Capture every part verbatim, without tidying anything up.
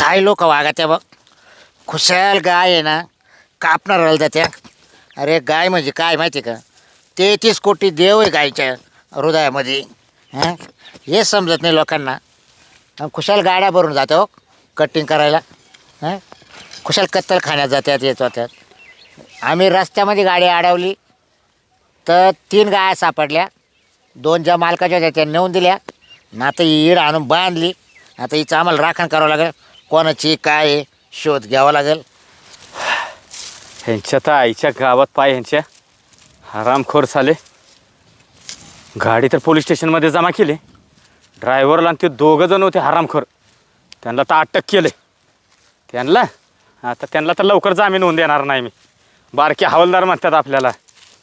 काय लोक वागत्या बघ. खुशाल गाय आहे ना, कापणार राहिल त्या. अरे गाय म्हणजे काय माहिती का, तेहतीस कोटी देव आहे गायच्या हृदयामध्ये. हां, हे समजत नाही लोकांना. खुशाल गाड्या भरून जाते हो कटिंग करायला. हां, खुशाल कत्तल खाण्यात जात्यात येत होत्यात. आम्ही रस्त्यामध्ये गाडी अडवली तर तीन गाया सापडल्या. दोन ज्या मालकाच्या होत्या त्या नेऊन दिल्या ना, आता ही ईड आणून बांधली. आता हिचं आम्हाला राखण करावं लागेल. कोणाची काय आहे शोध घ्यावा लागेल. ह्यांच्या तर आईच्या गावात पाय ह्यांच्या हरामखोर झाले. गाडी तर पोलीस स्टेशनमध्ये जमा केली. ड्रायव्हरला आणि ते दोघं जण होते हरामखोर, त्यांना तर अटक केले. त्यांना आता त्यांना तर लवकर जामीन होऊन देणार नाही मी. बारके हवालदार म्हणतात आपल्याला.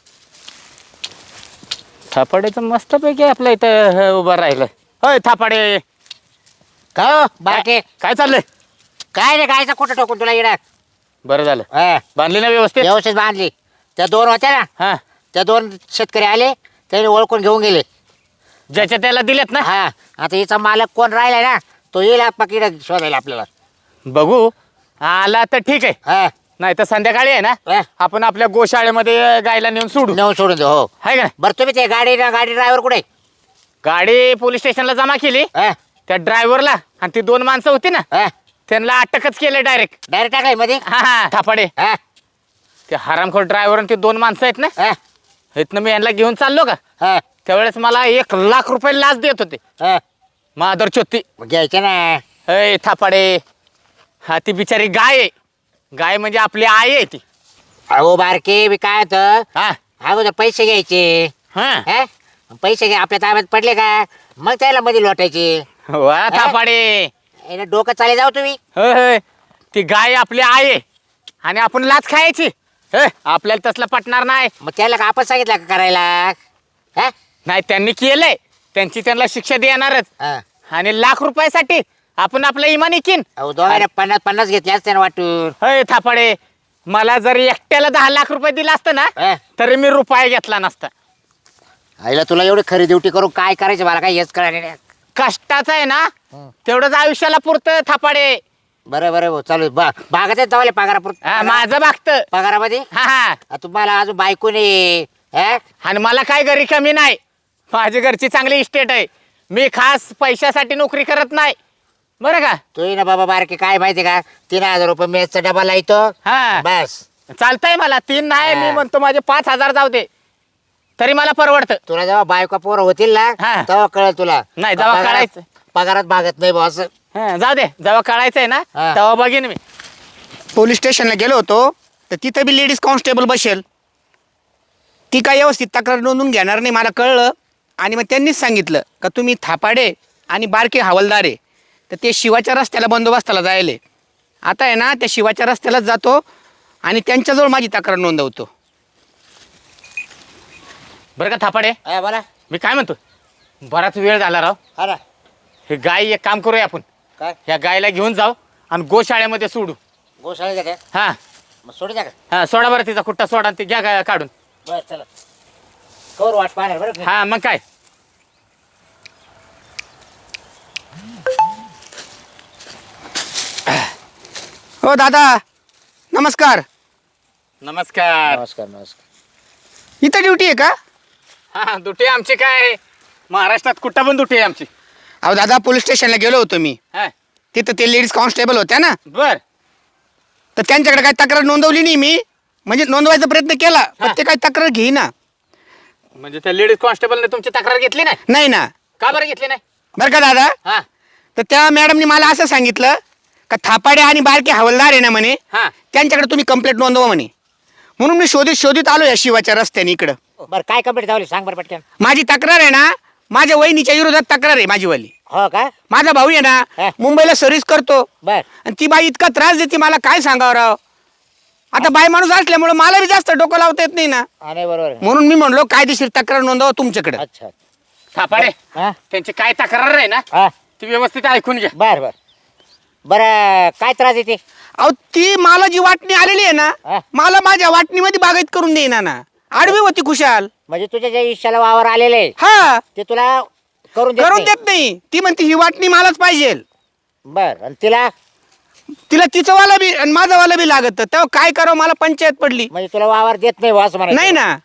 थापाडे तर मस्तपैकी आपल्या इथं उभं राहिलं. होय थापाडे, काय हो बारके, काय चाललंय? काय रे गायचा कुठं टोकून तुला इडा? बरं झालं हां, बांधली ना व्यवस्थित? व्यवस्थित बांधली. त्या दोन होत्या ना, हां, त्या दोन शेतकरी आले, त्यांनी ओळखून घेऊन गेले. ज्याच्या त्याला दिलेत ना. हा, आता हिचा मालक कोण राहिलाय ना, तो येईल पकीड शोधायला आपल्याला. बघू आला तर ठीक आहे, हा, नाही तर संध्याकाळी आहे ना हा, आपण आपल्या गोशाळेमध्ये गायला नेऊन सोडू. नेऊन सोडून दे. हो, आहे का नाही? बरं तुम्ही ते गाडी गाडी ड्रायव्हर कुठे? गाडी पोलीस स्टेशनला जमा केली. हा, त्या ड्रायव्हरला आणि ती दोन माणसं होती ना, हा, त्यांना अटकच केलं डायरेक्ट. डायरेक्ट टाकाय मध्ये. हा हा थापाडे, हा, ते हरामखोर ड्रायव्हर आणि ते दोन माणसं आहेत ना, हा, इथनं मी यांना घेऊन चाललो का, हा, त्यावेळेस मला एक लाख रुपये लाच देत होते. हा, मादर चोत्ती. मग घ्यायचं ना. अय थापाडे, हा ती बिचारी गाय आहे. गाय म्हणजे आपली आई आहे ती. अहो बारके, मी काय होतं हा अगोदर पैसे घ्यायचे. हा हा, पैसे घ्या आपल्या ताब्यात पडले का मग त्याला मध्ये लोटायचे. वा थापाडे, याला डोकं चाले जाऊ तुम्ही. होय होय, ती गाय आपली आई आहे आणि आपण लाच खायची. होय, आपल्याला तसलं पटणार नाही. मग त्याला का आपण सांगितलं का करायला? हा, नाही, त्यांनी केलंय, त्यांची त्यांना शिक्षा देणारच. हा. आणि लाख रुपयासाठी आपण आपलं इमान इकीन. अहो दोघांना पन्नास पन्नास घेतले असते ना वाटून. होय थापाडे, मला जर एकट्याला दहा लाख रुपये दिला असतं ना, हा. तरी मी रुपया घेतला नसता. आईला तुला एवढी खरी ड्युटी करून काय करायचं मला काय हेच कळलं नाही. कष्टाचं आहे ना, हं. तेवढंच आयुष्याला पुरतं थापाडे. बरं बरं भाऊ, चालू बा बागात जावले पगारापुर हा, माझं बागतं. पगारामध्ये. हा हा, आ, तुम्हाला अजून बायको नाही. हा? आणि मला काय घरी कमी नाही. माझी घरची चांगली इस्टेट आहे. मी खास पैशासाठी नोकरी करत नाही, बरं का. तू ना बाबा बारके, काय माहिती का, तीन हजार रुपये मेसचा डबा लायतो. हा बस. चालतंय मला. तीन नाही, हा. मी म्हणतो माझे पाच हजार जाऊ दे, तरी मला परवडतं. तुला जेव्हा बायको पोरं होतील ना, हा. तेव्हा कळेल तुला. नाही, जेव्हा पगारात- कळायचं. पगारात भागत नाही बॉस. हा, जाऊ दे, जेव्हा कळायचंय ना हा. तेव्हा बघीन मी. पोलीस स्टेशनला गेलो होतो तर तिथं बी लेडीज कॉन्स्टेबल बसेल. ती काय व्यवस्थित तक्रार नोंदवून घेणार नाही मला कळलं. आणि मग त्यांनीच सांगितलं का तुम्ही थापाडे आणि बारके हवालदार आहे, तर ते शिवाच्या रस्त्याला बंदोबस्ताला जायले. आता आहे ना, त्या शिवाच्या रस्त्यालाच जातो आणि त्यांच्याजवळ माझी तक्रार नोंदवतो. बरं का थापाडे, हा, बोला. मी काय म्हणतो, बराच वेळ झाला राव. हा ना. हे गाय एक काम करूया आपण, काय ह्या गायला घेऊन जाऊ आणि गोशाळेमध्ये सोडू. गोशाळेत का? हा मग सोडू द्या का? हा, सोडा बरं तिचा कुट्टा सोडा आणि ती घ्या गाय काढून. बरं चला, कवर वाट पाहणार बरं. हा मग काय. हो दादा, नमस्कार. नमस्कार. नमस्कार नमस्कार. इथं ड्युटी आहे का? हा, दुटी आमची काय महाराष्ट्रात कुठं पण दुटी आहे आमची. अहो दादा, पोलीस स्टेशनला गेलो होतो मी. हा तिथं ते लेडीज कॉन्स्टेबल होत्या ना, बर. तर त्यांच्याकडे काही तक्रार नोंदवली नाही मी. म्हणजे नोंदवायचा प्रयत्न केला पण ते काही तक्रार घेईना. म्हणजे त्या लेडीज कॉन्स्टेबलने तुमची तक्रार घेतली नाही? नाही ना. का बरं घेतली नाही? बरं का दादा, हा तर त्या मॅडमनी मला असं सांगितलं का थापाडे आणि बारके हवालदार आहे ना म्हणे, हा त्यांच्याकडे तुम्ही कंप्लेंट नोंदवा म्हणे. म्हणून मी शोधित शोधित आलो या शिवाच्या रस्त्याने इकडं. बरं काय कंप्लीट झाली सांग बरं पटकन. माझी तक्रार आहे ना, माझ्या वहिनीच्या विरोधात तक्रार आहे माझीवाली. हो का? माझा भाऊ आहे हा. ना, मुंबईला सर्व्हिस करतो बर. आणि ती बाई इतका त्रास देते मला, काय सांगावं राव. आता बाई माणूस असल्यामुळे मला बी जास्त डोकं लावता येत नाही ना. हा नाही बरोबर आहे. म्हणून मी म्हणलो कायदेशीर तक्रार नोंदवा तुमच्याकडे. अच्छा. थापाडे, हा त्यांची काय तक्रार आहे ना हा ती व्यवस्थित ऐकून घ्या. बर बर. बरं काय त्रास येते? अहो ती मला जी वाटणी आलेली आहे हा. ना, मला माझ्या वाटणीमध्ये बागायत करून देईना ना. आडवी होती खुशाल. म्हणजे तुझ्या ज्या इशाला वावर आलेले हा, ते तुला करून देत करून नाही? देत नाही. ती म्हणते ही वाटणी मलाच पाहिजे. बर. आणि तिला तिला तिचं वाला बी आणि माझं वाला बी लागत तेव्हा काय करावं मला पंचायत पडली. म्हणजे तुला वावर देत नाही वास म्हणा. नाही ना,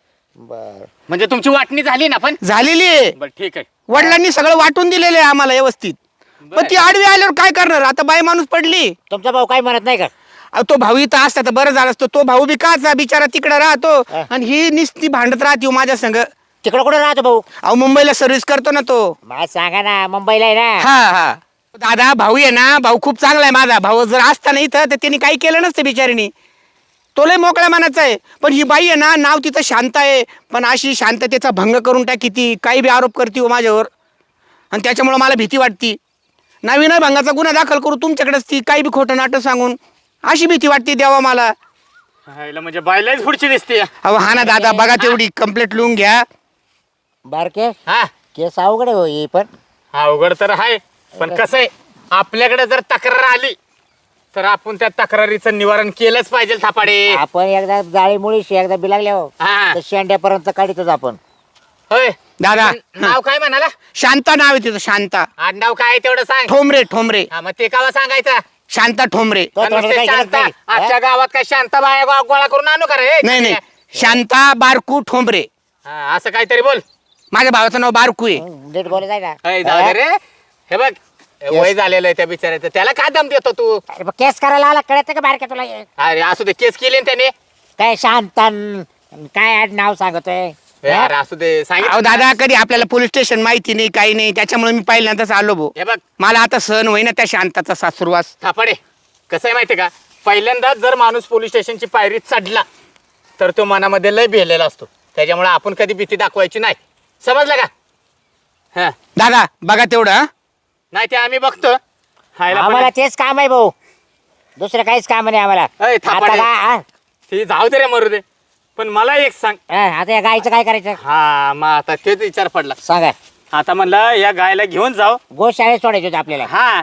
बर म्हणजे तुमची वाटणी झाली ना पण. झालेली आहे. बरं ठीक आहे. वडिलांनी सगळं वाटून दिलेलं आहे आम्हाला व्यवस्थित. पण ती आडवी आल्यावर काय करणार आता, बाई माणूस पडली. तुमचा भाऊ काही म्हणत नाही का? अहो, तो भाऊ इथं असता तर बरं झालं असतं. तो भाऊ बी काचा बिचारा तिकडे राहतो हा. आणि ही निस्ती भांडत राहते हो माझ्या संग. तिकडं कुठे राहतो भाऊ? अहो मुंबईला सर्व्हिस करतो ना तो. मला सांगा ना, मुंबईला आहे ना. हा हा दादा भाऊ आहे ना, भाऊ खूप चांगला आहे माझा भाऊ. जर असता ना इथं तर त्यांनी काही केलं नसतं बिचारीनी. तो लय मोकळ्या मनाचा आहे. पण ही बाई आहे ना, नाव तिथं शांत आहे पण अशी शांततेचा भंग करून टाकी ती. काही बी आरोप करते हो माझ्यावर आणि त्याच्यामुळं मला भीती वाटती. नवीन भंगाचा गुन्हा दाखल करू तुमच्याकडेच ती, काही बी खोटं नाटक सांगून. अशी भीती वाटते देवा मला. हायला म्हणजे बायलाच पुढची दिसते. अहो हा ना दादा, बघा तेवढी कंप्लेंट लिहून घ्या. बारके हा केस अवघड आहे हो ही पण. अवघड तर आहे पण कसं आहे, आपल्याकडे जर तक्रार आली तर आपण त्या तक्रारीचं निवारण केलंच पाहिजे थापाडे. आपण एकदा जाळी मुळीशी एकदा बिलागले हो हा तर शेंड्यापर्यंत काढितच आपण. होय दादा पण नाव काय म्हणाला? शांता नाव आहे तिचं, शांता आडनाव काय आहे तेवढं सांग. ठोंबरे. ठोंबरे हा मग ते कावा सांगायचं. शांता ठोंबरे. तो आणि थोडं नुसते काही गरज शांता नाही. आजच्या गावात काय शांता बाया गो- गोळा करून आणू का रे? नाही नाही, शांता बारकू ठोंबरे. हा, असं काहीतरी बोल. माझ्या भावाचं नाव बारकू आहे. हं, नीट बोलत आहे ना. अय, जाऊ दे रे. हे बघ वय झालेलं आहे त्या बिचाऱ्याचं, त्याला काय दम देतो तू? अरे, मग केस करायला आला कळत का बारके तुला हे? अरे असू दे, केस केली ना त्याने. काय शांतन काय आड नाव सांगतोय? हे अरे असू दे, अहो सांगितलं दादा, कधी आपल्याला पोलीस स्टेशन माहिती नाही काही नाही, त्याच्यामुळे मी पहिल्यांदाच आलो भाऊ. हे बघ मला आता सहन होईना त्या शांताचा सासुरवास. थापाडे, कसं आहे माहितीये का, पहिल्यांदाच जर माणूस पोलीस स्टेशनची पायरी चढला तर तो मनामध्ये लय भिलेला असतो. त्याच्यामुळे आपण कधी भीती दाखवायची नाही, समजलं का? हा दादा बघा तेवढं हं? नाही ते आम्ही बघतो. हायला पण- आम्हाला तेच काम आहे भाऊ, दुसरं काहीच काम नाही आम्हाला. अय, आता थापाडे. काय हा? ते जाऊ दे रे, मरू दे. पण मला एक सांग. हा, आता या गायचं काय करायचं हा मग आता तेच विचार पडला. सांगा. आता म्हणलं या गायला घेऊन जाऊ. गोशाळेत सोडायचं होतं आपल्याला. हा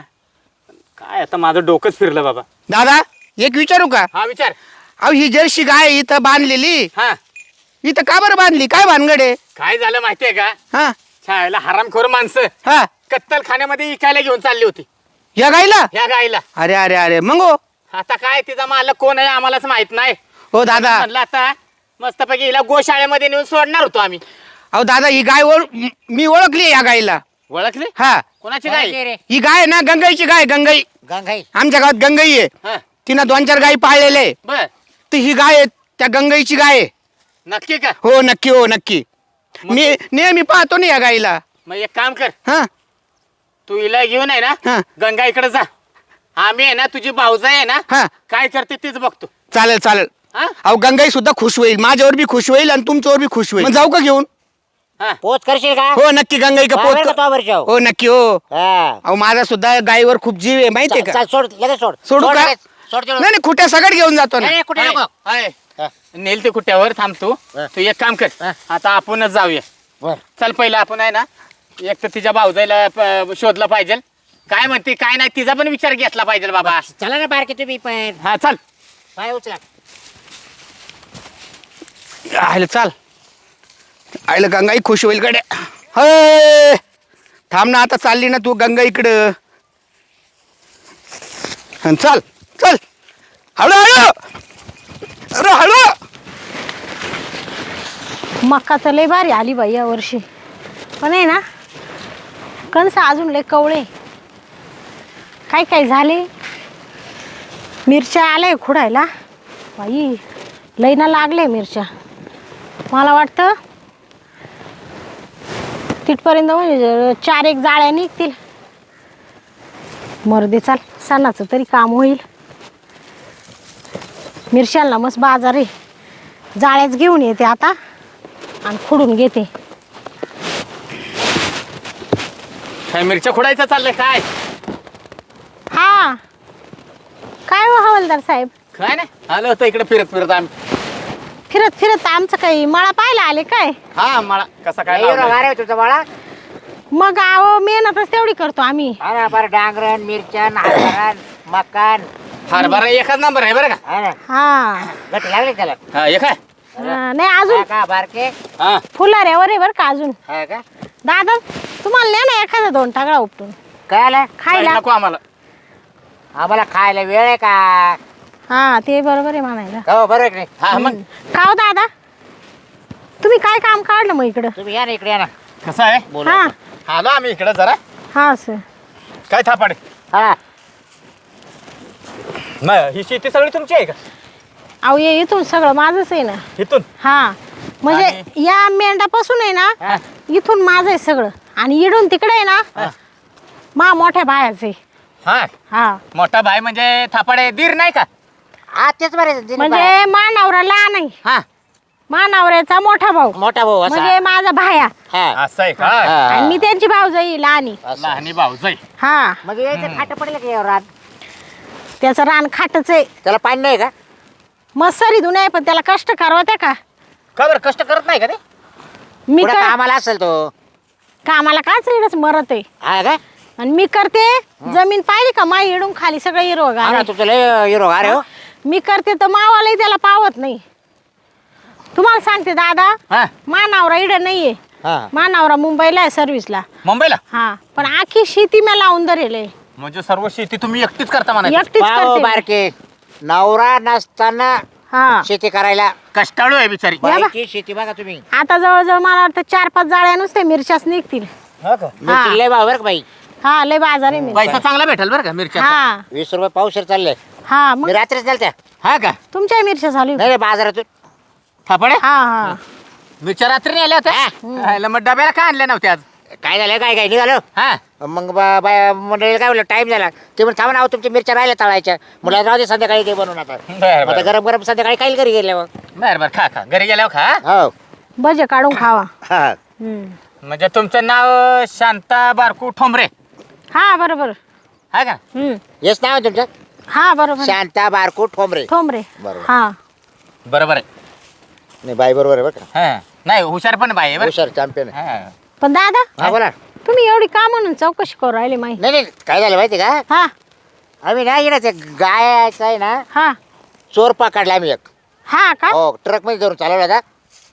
काय आता माझं डोकंच फिरलं बाबा. दादा एक विचारू का? हा विचार. अहो ही जर्सी गाय इथं बांधलेली, हा इथं का बरं बांधली? काय भानगड आहे? काय झालं माहितीये का, हा छायला हरामखोर माणसं हा कत्तल खाण्यामध्ये विकायला घेऊन चालली होती या गायला? ह्या गायला. अरे अरे अरे मग हो आता काय तिचा मालक कोण आहे आम्हालाच माहित नाही. हो दादा. म्हणलं आता मस्तपैकी हिला गोशाळेमध्ये नेऊन सोडणार होतो आम्ही. अहो दादा ही गाय ओळ मी ओळखली या गायला. ओळखले? हा कोणाची कोणाची गाय? रे? ही गाय आहे ना, गंगाईची गाय. गंगाई गंगाई. आमच्या गावात गंगाई आहे. हा तिनं दोन चार गायी पाळलेले, बर, तर ही गाय आहे त्या गंगाईची गाय आहे. नक्की का? हो नक्की, हो नक्की. मग- मी नेहमी पाहतो ना या गायीला. मग एक काम कर, हा तू हिला घेऊन आहे हा. ना गंगा इकडे जा. आम्ही आहे ना, तुझी भाऊजाई आहे ना, हा काय करते तेच बघतो. चालेल चालेल. हा अहो गंगाई सुद्धा खुश होईल, माझ्यावर बी खुश होईल आणि तुमच्यावर बी खुश होईल. मग जाऊ का घेऊन? हा पोच करशील का? हो नक्की गंगाई का बरोबर का पोत. तो वरच्या हो? हो नक्की हो. हा. अहो माझा सुद्धा गायीवर खूप जीव आहे माहितीये चल, का? चल, सोड लगेच सोड. सोडू सोड का? लगेच, सोड तिकडं. नाही नाही, खुट्या सगळं घेऊन जातो ना. नाही, नाही, कुठे हाय, नको. हाय. हा. नेल ते कुठ्यावर थांब तू. हा. तू एक काम कर, हा. आता आपणच जाऊया. बर. चल पहिलं आपण आहे ना, एक तर तिच्या भाऊजाईला प- शोधलं पाहिजे. काय म्हणते काय नाही तिचा पण विचार घेतला पाहिजे बाबा. चला ना बारके तुम्ही पण. हा चल. पाय उचला. आयलं चाल. आयलं गंगाई खुश होईल कडे. हय थांब ना, आता चालली ना तू गंगा इकडं. हं, चल चल हळू हळू. अरे हळू. मक्का तर लय भारी आली बाई या वर्षी, पण आहे ना कणस अजून लय कवळे. काय काय झाले, मिरच्या आल्या खुडायला बाई, लय ना लागले मिरच्या. मला वाटतं तिथपर्यंत म्हणजे चार एक जाळ्या निघतील. मर्दे चाल, सणाचं तरी काम होईल. मिरशांना मस्त बाजार आहे, जाळ्याच घेऊन येते आता आणि खुडून घेते. काय मिरच्या खोडायचं चाललंय काय? हा काय हो हवालदार साहेब, काय नाही, आलो होतो इकडे फिरत फिरत आम्ही. फिरत फिरत आमचं काही मळा पाहायला आले काय? हा मला कसा काय नाही एवढं लावलाय? वारे हो तुमचा बाळा. मग आहो मेहनतच तेवढी करतो आम्ही. हा ना, बरं डांगरण मिरचण हरभरण मकान. हरभरा एकच नंबर आहे बरं का. हा ना, हा गट लागले त्याला. हा एक आहे. हा, नाही अजून हा का बारके? हा फुलाऱ्यावर आहे बरं का अजून. हा का? दादा तुम्हाला नाही ना एखादा दोन टाकळा उपटून काय आला? खायला? नको आम्हाला. आम्हाला खायला वेळ आहे का? हा ते बरोबर आहे म्हणायला. हो बरोबर आहे की नाही? हा मग का हो दादा, तुम्ही काय काम काढलं मग इकडं? तुम्ही या ना इकडे या ना कसं आहे बोलू हा आपण. आलो आम्ही इकडे जरा हा सर. काय थापाडे हा मग ही शेती सगळी तुमची आहे का अहो ये इथून सगळं माझंच आहे ना. इथून हा म्हणजे या मेंढापासून आहे ना हा. इथून माझं आहे सगळं, आणि इडून तिकडे आहे ना मा मोठ्या बायाचे. हा हा मोठा भाई म्हणजे थापाडे दीर नाही का हा तेच बरे म्हणजे मा नवरा लहान आहे, हा मा नवऱ्याचा मोठा भाऊ मोठा भाऊ असा म्हणजे माझा भाया, हा असं आहे का हा. आणि मी त्यांची भाऊजाई लहानी. असं. लहानी भाऊ जाई हा म्हणजे यायचं खाट पडलं की यावर रात त्याचं रान खाटच आहे. त्याला पाणी नाही का? मस्सरी धुणे आहे, पण त्याला कष्ट करवत्या का? का बरं कष्ट करत नाही का ते मी पुढं कर कामाला असेल तो कामाला काच रेडच मरत आहे, हा का? आणि मी करते जमीन पाहिली का माई इडून खाली सगळं हिरवं हा ना, गार. तुमचं लय हिरो अरे हो मी करते तर मावालाही त्याला पावत नाही. तुम्हाला सांगते दादा, हा मा नवरा इड नाहीये, हा मा नवरा मुंबईला आहे सर्व्हिसला. मुंबईला हा पण आखी शेती मी लावून धरेल, म्हणजे सर्व शेती तुम्ही एकटीच करता म्हणा एकटीच पाहो करते. बारके नवरा नसताना हा शेती करायला कष्टाळू आहे बिचारी या बा. बाईची शेती बघा तुम्ही आता जवळजवळ मला वाटतं चार पाच जाळ्या नुसते मिरच्याच निघतील. मिरची लय भाव बरं का बाई हा लय बाजार आहे मिरच्या. पैसा चांगला भेटेल बरं का मिरच्या हा वीस रुपये पावशेर चालले हा मग मी रात्रीच गेल त्या हा का तुमच्या मिरच्या चालू आहे? नाही रे बाजारातून थापाडे हा हा मिरच्या रात्री नाही आल्या होत्या हायला, मग डब्याला का आणल्या नव्हत्या आज काय झालं काय काय निघालो हा मग बा- बाया मंडळीला काय बोललं टाइम झाला ते म्हणून थांबा ना तुमच्या मिरच्या राहिल्या तळायच्या मला राहू दे संध्याकाळी ते बनवून आता बरं आता बरं गरम गरम संध्याकाळी काही घरी गेले मग बरं बरं खा खा घरी गेल्यावर खा हो भजे काढून खावा. हा हम्म. म्हणजे तुमचं नाव शांता बारकू ठोंबरे हा बरोबर. हा का हम्म. हेच नाव आहे तुमचं हा बरोबर. शांता बारकू ठोंबरे ठोंबरे. बरोबर. हा बरोबर आहे नाही बाई बरोबर आहे बरं का हा नाही हुशार पण बाई आहे बरं हुशार चॅम्पियन आहे हा. पण दादा हा बोला तुम्ही एवढी का म्हणून चौकशी करू राहिले माही? नाही नाही काय झालं माहिती का हा आम्ही ना इकडे ते गायचं आहे ना हा चोर पकडला आम्ही एक हा का हो ट्रक मध्ये धरून चालवला होता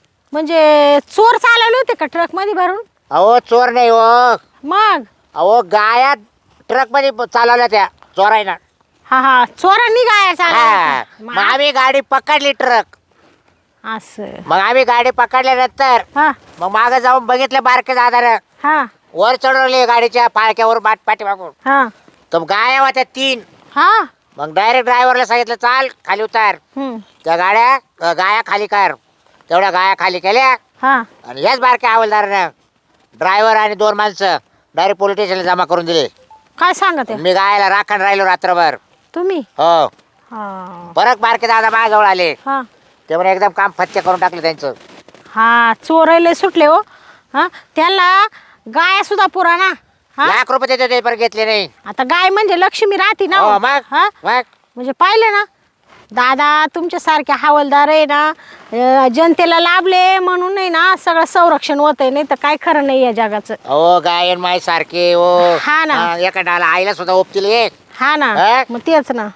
म्हणजे चोर चालवले होते का ट्रक मध्ये भरून? अहो चोर नाही हो मग अहो गाया ट्रक मध्ये चालवल्या त्या चोरायना हा हा चोरांनी गाया हा चालवल्या मग होत्या. आम्ही गाडी पकडली ट्रक मग असं मग आम्ही गाडी पकडल्यानंतर हा मग मागे जाऊन बघितलं बारके दादार हा वर चढवले गाडीच्या पाळक्यावर बाट पाठी मागून हा तर गाया होत्या तीन हा मग डायरेक्ट ड्रायव्हरला सांगितलं चाल खाली उतार हम्म. त्या गाड्या अ, गाया खाली कर तेवढ्या गाया खाली केल्या हा आणि याच बारक्या हवालदारानं ड्रायव्हर आणि दोन माणसं डायरेक्ट पोलीस स्टेशनला जमा करून दिले. काय सांगत आहे मी गायला राखण राहिलो रात्रभर तुम्ही? हो हा परत बारके दादा माझ्याजवळ आले हा ते म्हणे एकदम काम फत्ते करून टाकलं त्यांचं. हा चोरायले सुटले हो. हा त्याला गाय सुद्धा पुराणा. हा लाख रुपये देतो ते पण घेतले नाही. आता गाय म्हणजे लक्ष्मी राहते ना हो हो. मग हा मग म्हणजे पाहिलं ना दादा तुमच्या सारखे हवालदार आहे ना अं, जनतेला लाभले म्हणून नाही ना सगळं संरक्षण होत आहे, नाही तर काय खरं नाही या जगाचं. हो गायन माय सारखे हो हा ना. हा, एका डाला आईला सुद्धा ओपतील एक हा ना हा? मग तेच ना.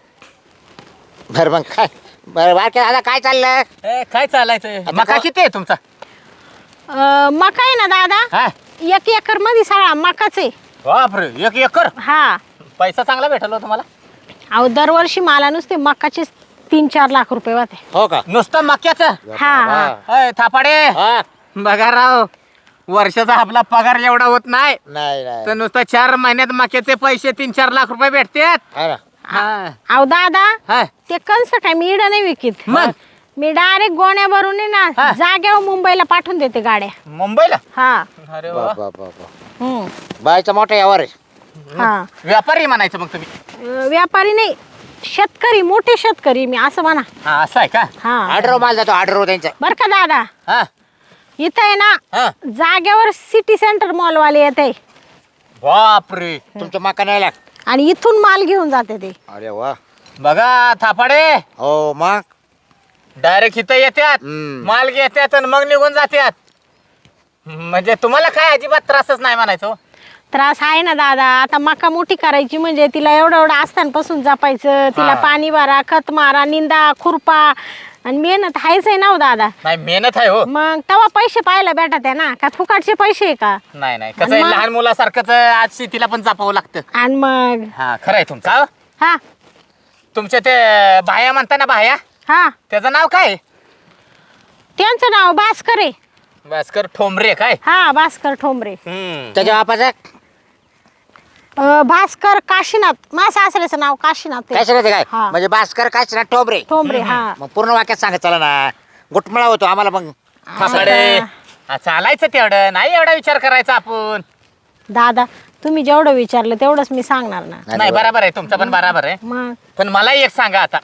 बरं मग काय बरं बारके दादा काय चाललं ए, काय चालायचं आता मका का- किती आहे तुमचा अं, मका आहे ना दादा हा एक एकर मध्ये सगळा मकाच आहे. बापरे एक एकर हा पैसा चांगला भेटलो तुम्हाला अहो दरवर्षी मला नुसते मकाचे तीन चार लाख रुपये होते. हो का नुसतं मक्याचं हा हा अय, थापाडे हा बघा राव वर्षाचा आपला पगार एवढा होत नाही नाही नाही तर नुसतं चार महिन्यात मक्याचे पैसे तीन चार लाख रुपये भेटतात हा ना. हा. अहो दादा हा. ते कंस काय मी इडं नाही विकित मग? मी डायरेक्ट गोण्या भरून आहे हा. ना जाग्यावर मुंबईला पाठवून देते गाड्या. मुंबईला हा अरे बा- वा. बा- बा- बा. हम्म. बायचा मोठा यावर आहे. हा व्यापारी म्हणायचं मग तुम्ही अं, व्यापारी नाही शेतकरी मोठे शेतकरी मी असं म्हणा. हा असं आहे का हा ऑर्डर माल जातो ऑर्डर त्यांचा बर का दादा हा इथं आहे ना हा जाग्यावर सिटी सेंटर मॉल वाले येते बापरे तुमचं मका नाही लाग आणि इथून माल घेऊन जाते ते. अरे वा बघा थापाडे हो मग डायरेक्ट इथं येतात हम्म. माल घेतात आणि मग निघून जातात म्हणजे तुम्हाला काय अजिबात त्रासच नाही म्हणायचं हो. त्रास आहे ना दादा. आता मका मोठी करायची म्हणजे तिला एवढं एवढं आस्थानपासून जपायचं, तिला हा. पाणी भरा, खत मारा, निंदा खुरपा आणि मेहनत आहेच आहे ना हो दादा. नाही मेहनत आहे हो. मग तेव्हा पैसे पाहायला भेटत आहे ना का फुकाटचे पैसे आहे का? नाही नाही कसं आहे मग? लहान मुलासारखंच आज शेतीला पण जपावं लागतं. आणि मग हा खरं आहे तुमचं हा तुमच्या ते भाया म्हणता ना भाया, हा त्याचं नाव काय? त्यांचं नाव भास्कर आहे. भास्कर ठोंबरे काय? हा भास्कर ठोंबरे. हम्म. त्याच्या बापाचं अं, भास्कर काशीनाथ, माझ्या सासऱ्याचं नाव काशीनाथ आहे. काय सांगते काय हा. म्हणजे भास्कर काय ना टोबरे. ठोंबरे हा. मग पूर्ण वाक्यात सांगत चला ना, गुटमळा होतो आम्हाला मग. थापाडे. हा, चालायचं तेवढं नाही, एवढा विचार करायचा आपण. दादा तुम्ही जेवढं विचारलं तेवढंच मी सांगणार ना. नाही बरोबर आहे, तुमचं पण बरोबर आहे. मग पण मला एक सांगा आता,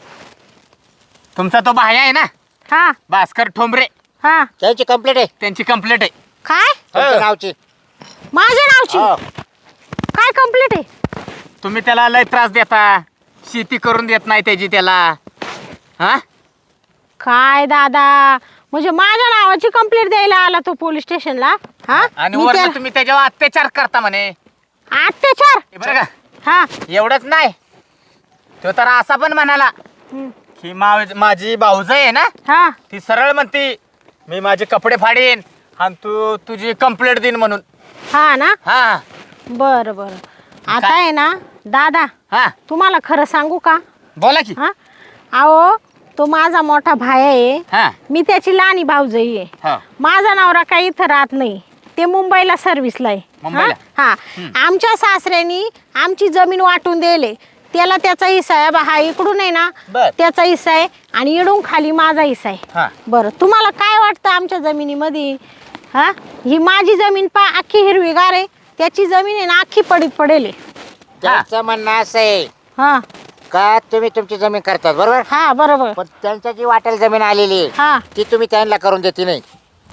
तुमचा तो भाया आहे ना हा भास्कर ठोंबरे, हा त्याची कंप्लेंट आहे त्यांची कंप्लेंट आहे. काय तुमच्या हो. नावची. माझ्या नावची हो. काय कंप्लीट आहे? तुम्ही त्याला लय त्रास देता, शेती करून देत नाही त्याची त्याला. हा काय दादा म्हणजे माझ्या नावाची कंप्लेंट द्यायला आला तो पोलीस स्टेशनला? हा आणि मी वरनं त्या- तुम्ही त्याच्यावर अत्याचार करता म्हणे. अत्याचार? हे बरं का, हा एवढंच नाही, तो तर असा पण म्हणाला हम्म. की मा- माझी भाऊज आहे ना, हा ती सरळ म्हणती मी माझे कपडे फाडीन आणि तू तुझी कंप्लेंट देईन म्हणून. हा ना हा बरं बरं आता काय? आहे ना दादा, हा तुम्हाला खरं सांगू का? बोला की. हा अहो तो माझा मोठा भाई आहे, हा मी त्याची लहानी भाऊजाई आहे. हा माझा नवरा काही इथं राहत नाही, ते मुंबईला सर्व्हिसला आहे. मुंबईला? हा हा. आमच्या सासऱ्यांनी आमची जमीन वाटून दिले, त्याला त्याचा हिस्सा आहे. बा हा इकडून आहे ना बर. त्याचा हिस्सा आहे आणि इडून खाली माझा हिस्सा आहे. हा बरं तुम्हाला काय वाटतं आमच्या जमिनीमध्ये? हा ही माझी जमीन पा अख्खी हिरवीगार आहे, त्याची जमीन आहे ना अख्खी पडीत पडेल आहे. त्यांचं म्हणणं असं आहे हा का तुम्ही तुमची जमीन करतात बरोबर, हा बरोबर. पण त्यांच्या जी वाटेल जमीन आलेली आहे हा ती तुम्ही त्यांना करून देते नाही.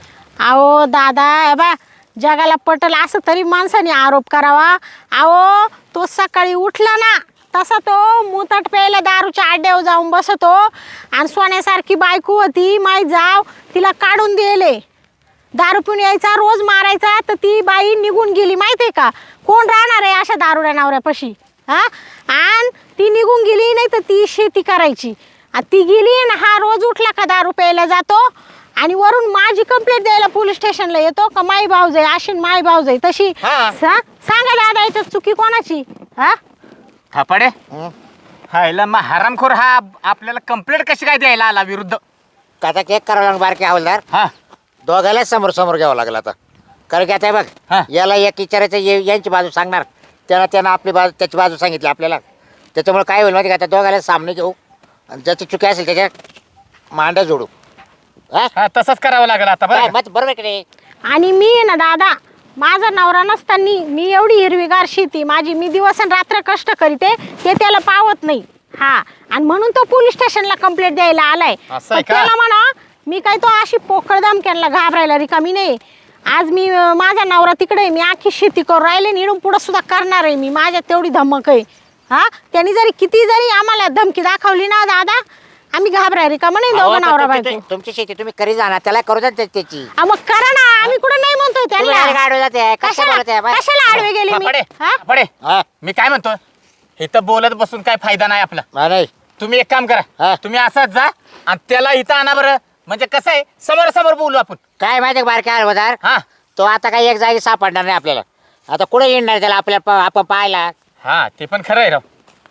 अहो दादा हे बा जगाला पटल असं तरी माणसाने आरोप करावा. अहो तो सकाळी उठला ना तसा तो मुताट प्यायला दारूच्या आड्यावर जाऊन बसतो आणि सोन्यासारखी बायको होती माई जाव, तिला काढून दिले. दारू पिऊन यायचा, रोज मारायचा, तर ती बाई निघून गेली माहिती आहे का? कोण राहणार आहे अशा दारुड्या नवऱ्यापाशी? हा आणि ती निघून गेली, नाही तर ती शेती करायची. आणि ती गेली ना हा रोज उठला का दारू प्यायला जातो आणि वरून माझी कंप्लेंट द्यायला पोलीस स्टेशनला येतो का माई भाऊजाई अशी न माई भाऊजाई तशी. हा. सा- सांगा दादा याच्यात चुकी कोणाची? हा थापाडे. हं? हायला मग हरामखोर हा आपल्याला कंप्लेंट कशी काय द्यायला आला विरुद्ध? आता केक करावं लागणार बारके हवालदार, हा दोघायला समोर समोर घ्यावं लागलं आता. कारण की आता हे हा. बघ याला एक विचारायचं, ये- यांची बाजू सांगणार, त्यांना त्यांना आपली बाजू त्याची बाजू सांगितली आपल्याला. त्याच्यामुळे काय होईल माहिती का, आता दोघायला सामने घेऊ आणि ज्याची चुकी असेल त्याच्या मांड्या जोडू. हा? हा तसंच करावं लागलं आता काय बरं का? मत बरोबर आहे की नाही? आणि मी आहे ना दादा, माझा नवरा नसताना मी एवढी हिरवीगार शेती माझी, मी दिवस आणि रात्र कष्ट करीते, ते त्याला पावत नाही. हा आणि म्हणून तो पोलीस स्टेशनला कंप्लेंट द्यायला आलाय. असं आहे पण का? त्याला म्हणा मी काय तो अशी पोकळ धमक्यांना घाबरायला रिकामी नाही. आज मी अं, माझा नवरा तिकडे आहे, मी आखी शेती करून राहिले, निडून पुढं सुद्धा करणार आहे मी, माझ्यात तेवढी धमक आहे. हा त्यांनी जरी किती जरी आम्हाला धमकी दाखवली ना दादा, आम्ही घाबराय रिकामा नाही अहो, दोघं पण नवरा तुमची- बायको. तुमची शेती तुम्ही करी जाणार, त्याला करू द्या त्या- त्याची. हा, मग करा ना, आम्ही कुठं नाही म्हणतोय तुम्ही direct त्यांना. आडवे जाते, कशा कशाला बोलत आहे, बाय? कशाला आडवे गेली मी? थापाडे, हा? थापाडे. हा, मी काय म्हणतो, इथं बोलत बसून काय फायदा नाही आपला. हा, नाही तुम्ही एक काम करा, हा. तुम्ही असंच जा आणि त्याला इथं आणा बरं. म्हणजे कसं आहे, समोर समोर बोलू आपण. काय माहिती बारके हवालदार, हा तो आता काही एक जागी सापडणार नाही आपल्याला. आता कुठे येणार त्याला आपल्या प- आपण पाहायला. हा ते पण खरं आहे राव.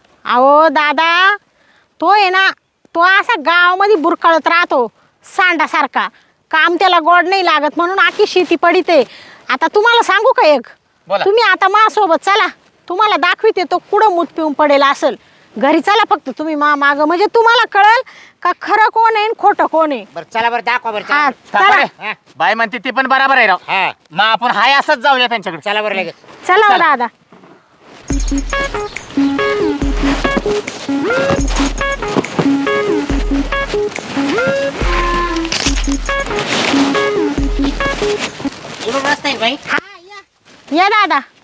अहो दादा तो आहे ना, तो असा गावामध्ये बुरकळत राहतो सांडासारखा, काम त्याला गोड नाही लागत म्हणून आखी शेती पडिते. आता तुम्हाला सांगू का एक, बोला. तुम्ही आता माझ्यासोबत चला, तुम्हाला दाखविते तो कुठं मूत पिऊन पडेल असेल. घरी चला फक्त तुम्ही मा माग, म्हणजे तुम्हाला कळेल का खरं कोण आहे आणि खोटं कोण आहे. बरं चला बरं दाखवा बरं हा चला. थापाडे, चला हा. बाय म्हणते ते पण बरोबर आहे राव. हा मग आपण हाय असंच जाऊया त्यांच्याकडे. चला बरं लगेच. चला हो चला. दादा. इकडून रस्ता आहे बाई. हा या या दादा.